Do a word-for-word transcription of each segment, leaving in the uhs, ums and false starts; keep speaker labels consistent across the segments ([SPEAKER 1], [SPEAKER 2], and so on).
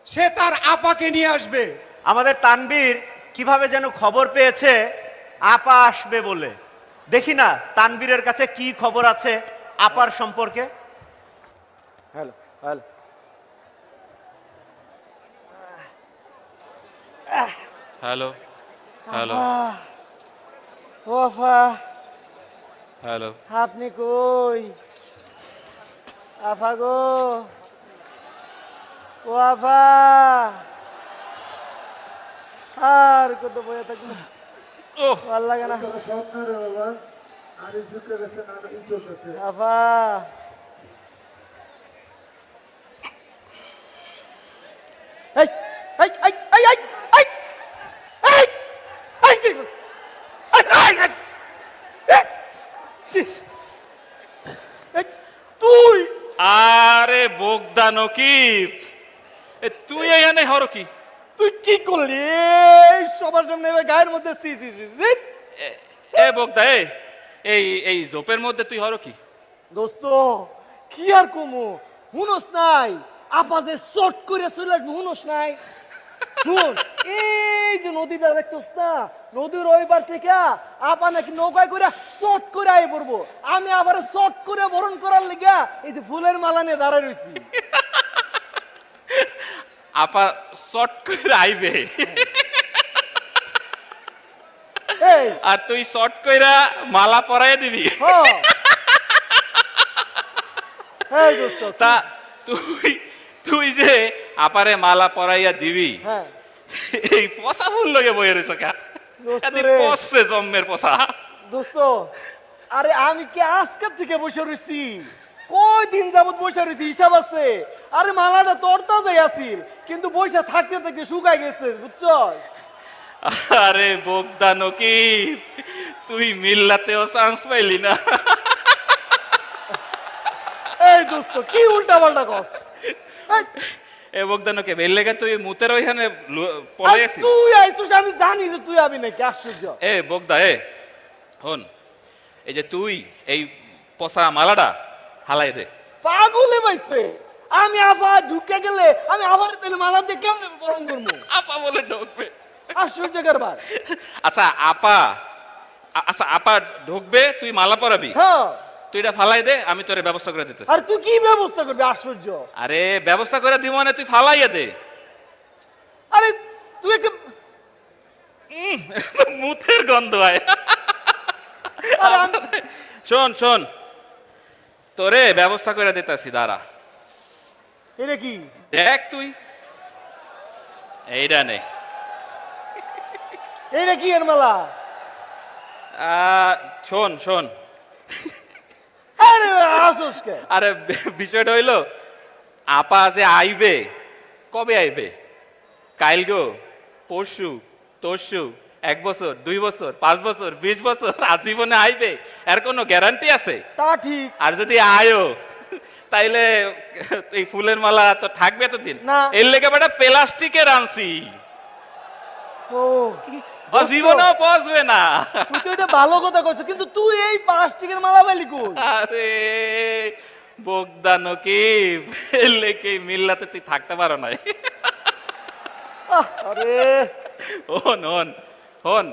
[SPEAKER 1] সে তার আপাকে নিয়ে আসবে।
[SPEAKER 2] আমাদের তানবীর কিভাবে যেন খবর পেয়েছে আপা আসবে বলে। দেখি না তানবীরের কাছে কি খবর আছে আপার সম্পর্কে।
[SPEAKER 3] হ্যালো হ্যালো
[SPEAKER 4] হ্যালো হ্যালো
[SPEAKER 3] ও আফা,
[SPEAKER 4] হ্যালো।
[SPEAKER 3] আপনি কই? আফা গো, ও আফা, আর কত বয়ে থাকলো,
[SPEAKER 4] ও
[SPEAKER 3] ভাল লাগে না
[SPEAKER 5] সামনে বাবা আর ঝুঁকে গেছে না ই চলতেছে।
[SPEAKER 3] আফা। এই এই এই এই এই এই এই এই কি এই এই এই ছি! এই, তুই
[SPEAKER 4] আরে বোগদা নকিব, এ তুই এখানে হর কি?
[SPEAKER 3] তুই কি করলি? এই সবার সামনে এবার গায়ের মধ্যে সি সি সি সি।
[SPEAKER 4] এ- এ বোগদা এ, এই এই জোপের মধ্যে তুই হর কি?
[SPEAKER 3] দোস্ত কি আর কমু, হুনস নাই আপা যে শর্ট করে চলে আসবে, হুনস নাই। শুন, এই যে নদীটা দেখতেছ না, নদীর ওই পার থেকে আপা নাকি নৌকায় করে শর্ট করে আই পড়বো। আমি আবার শর্ট করে বরণ করার লেগে এই যে ফুলের মালা নিয়ে দাঁড়ায় রয়েছি।
[SPEAKER 4] আপা শর্ট করে আইবে
[SPEAKER 3] এই
[SPEAKER 4] আর তুই শর্ট কইরা মালা পরাই দিবি।
[SPEAKER 3] হ এই দোস্ত
[SPEAKER 4] তা তুই তুই যে আপারে মালা পরাইয়া দিবি,
[SPEAKER 3] হ্যাঁ
[SPEAKER 4] এই পচা ফুল লগে বয়ে রয়েছে কা?
[SPEAKER 3] দোস্ত
[SPEAKER 4] এদি
[SPEAKER 3] রে।
[SPEAKER 4] পচছে জম্মের পচা।
[SPEAKER 3] দোস্ত আরে আমি কি আজকের থেকে বসে রয়েছি? কয় দিন যাবত বসে রয়েছি হিসাব আছে। আরে মালাটা তোর তাজাই আছিল, কিন্তু বসে থাকতে থাকতে শুকাই গেছে, বুঝছ?
[SPEAKER 4] আরে বোগদা নকিব, তুই মিল্লাতেও চান্স পাইলি না।
[SPEAKER 3] এই দোস্ত কি উল্টা পাল্টা কস? এই,
[SPEAKER 4] এ বোগদা নকিব, এর লেগে তুই মুতের ওইখানে পলে
[SPEAKER 3] আরে
[SPEAKER 4] গেছিস।
[SPEAKER 3] তুই আইছিস, আমি জানি যে তুই আবি নাকি, আশ্চর্য।
[SPEAKER 4] এ বোগদা এ, হন, এই যে তুই এই পচা মালাটা হালাই দে।
[SPEAKER 3] পাগলে পাইছে। আমি আবার ঢুকে গেলে আমি আবার তেলে মালা দিয়ে কেমনে বরণ করবো?
[SPEAKER 4] আপা বলে ঢুকবে।
[SPEAKER 3] আশ্চর্য কারবার।
[SPEAKER 4] আচ্ছা আপা, আ- আচ্ছা আপা ঢুকবে, তুই মালা পরাবি,
[SPEAKER 3] হ্যাঁ,
[SPEAKER 4] তুই এটা ফালাই দে, আমি তোরে ব্যবস্থা করে দিতেছি।
[SPEAKER 3] আর তুই কি ব্যবস্থা করবি? আশ্চর্য।
[SPEAKER 4] আরে ব্যবস্থা করে দিব মানে তুই ফালাইয়া দে।
[SPEAKER 3] আরে তুই একটা
[SPEAKER 4] মুতের গন্ধ হয়।
[SPEAKER 3] আরে আমি-
[SPEAKER 4] শোন শোন, তোরে ব্যবস্থা করে দিতেছি, দাঁড়া।
[SPEAKER 3] এটা কি?
[SPEAKER 4] দেখ তুই এইটা নে।
[SPEAKER 3] এইটা কি এর মালা?
[SPEAKER 4] আহ, শোন শোন,
[SPEAKER 3] আরে আসোস কে?
[SPEAKER 4] আরে বিষয়টা হইলো, আপা যে আইবে, কবে আইবে? কাইল গো, পরশু, তরশু, এক বছর, দুই বছর, পাঁচ বছর, বিশ বছর, আজীবনে আইবে? এর কোনো গ্যারান্টি আছে?
[SPEAKER 3] তা ঠিক।
[SPEAKER 4] আর যদি আয়ো, তাইলে এই ফুলের মালা তো থাকবে এতদিন
[SPEAKER 3] না।
[SPEAKER 4] এর লেগে বেটা প্লাস্টিকের আনছি,
[SPEAKER 3] ও
[SPEAKER 4] ও জীবনেও পচবে না।
[SPEAKER 3] তুই তো এটা ভালো কথা কইছিস, কিন্তু তুই এই প্লাস্টিকের মালা পাইলি কই?
[SPEAKER 4] আরে বোগদা নকিব, এর লেগে মিল্লাতে তুই থাকতে পারো নাই।
[SPEAKER 3] আহ, আরে
[SPEAKER 4] হন হন হন,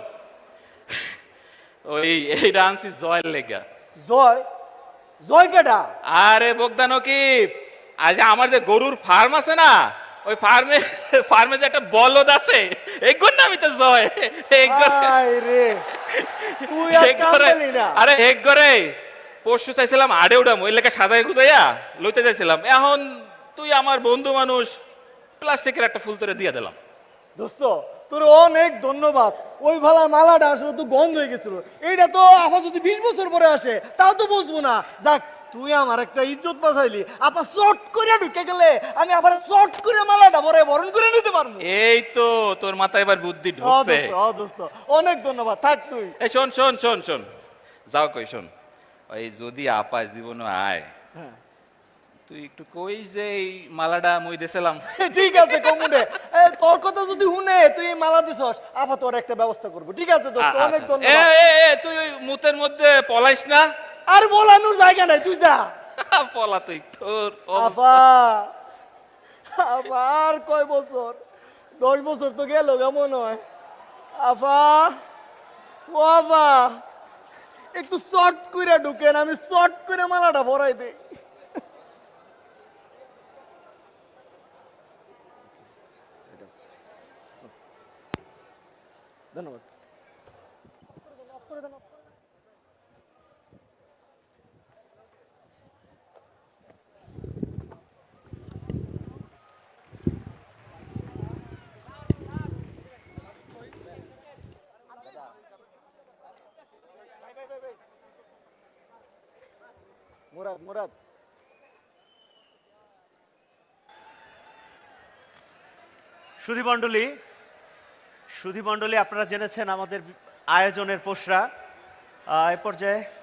[SPEAKER 4] ওই এইটা আনছি জয়ের লেগা।
[SPEAKER 3] জয় জয় কেডা?
[SPEAKER 4] আরে বোগদা নকিব, আজ আমার যে গরুর ফার্ম আছে না, ওই ফার্মে ফার্মে যে একটা বলদ আছে, এগুন না আমি তো জয়। এগুন
[SPEAKER 3] আয় রে, তুই আর কাম
[SPEAKER 4] এগুরে,
[SPEAKER 3] পেলি না।
[SPEAKER 4] আরে এক করে পরশু চাইছিলাম আড়ে উঠাম, ওই লেখা সাজাই গুজাইয়া লইতে চাইছিলাম, এখন তুই আমার বন্ধু মানুষ, প্লাস্টিকের একটা ফুল তোরে দিয়ে দিলাম।
[SPEAKER 3] দোস্ত তোর অনেক ধন্যবাদ। ওই ভালা মালাটা আসলে তো গন্ধ হয়ে গেছিল। এইটা তো আপা যদি বিশ বছর পরে আসে তাও তো বুঝবো না। যাক, তুই আমার একটা ইজ্জত বাঁচাইলি। আপা শর্ট করে ঢুকে গেলে আমি আবার শর্ট করে মালাটা পরে বরণ করে নিতে পারবো।
[SPEAKER 4] এই তো তোর মাথায় এবার বুদ্ধি
[SPEAKER 3] ও
[SPEAKER 4] ঢুকছে।
[SPEAKER 3] দোস্ত, ও দোস্ত, অনেক ধন্যবাদ। থাক তুই।
[SPEAKER 4] এই শোন শোন শোন শোন, যাও কই শোন, ওই যদি আপা জীবনে আয়,
[SPEAKER 3] হ্যাঁ
[SPEAKER 4] তুই একটু কই যে এই মালাটা মুই দেছিলাম।
[SPEAKER 3] ঠিক আছে কমুনে, তোর কথা যদি শুনে তুই এই মালা দিছস, আপা তোর একটা ব্যবস্থা করবো। ঠিক আছে দোস্ত, অনেক
[SPEAKER 4] এ
[SPEAKER 3] ধন্যবাদ।
[SPEAKER 4] এ এ, তুই ওই মুতের মধ্যে পলাইস না।
[SPEAKER 3] আর বলানোর জায়গা নাই, তুই যা।
[SPEAKER 4] পলা তুই তোর
[SPEAKER 3] আপা আবার কয় বছর? দশ বছর তো গেল কেমন হয়? আফা, ও আফা, একটু শর্ট করে ঢুকেন, আমি শর্ট করে মালাটা ভরাই দিই। ধন্যবাদ। মুরাদ মুরাদ
[SPEAKER 2] সুধীমণ্ডলী সুধীমণ্ডলী আপনারা জেনেছেন আমাদের আয়োজনের পোষরা আহ, এ পর্যায়ে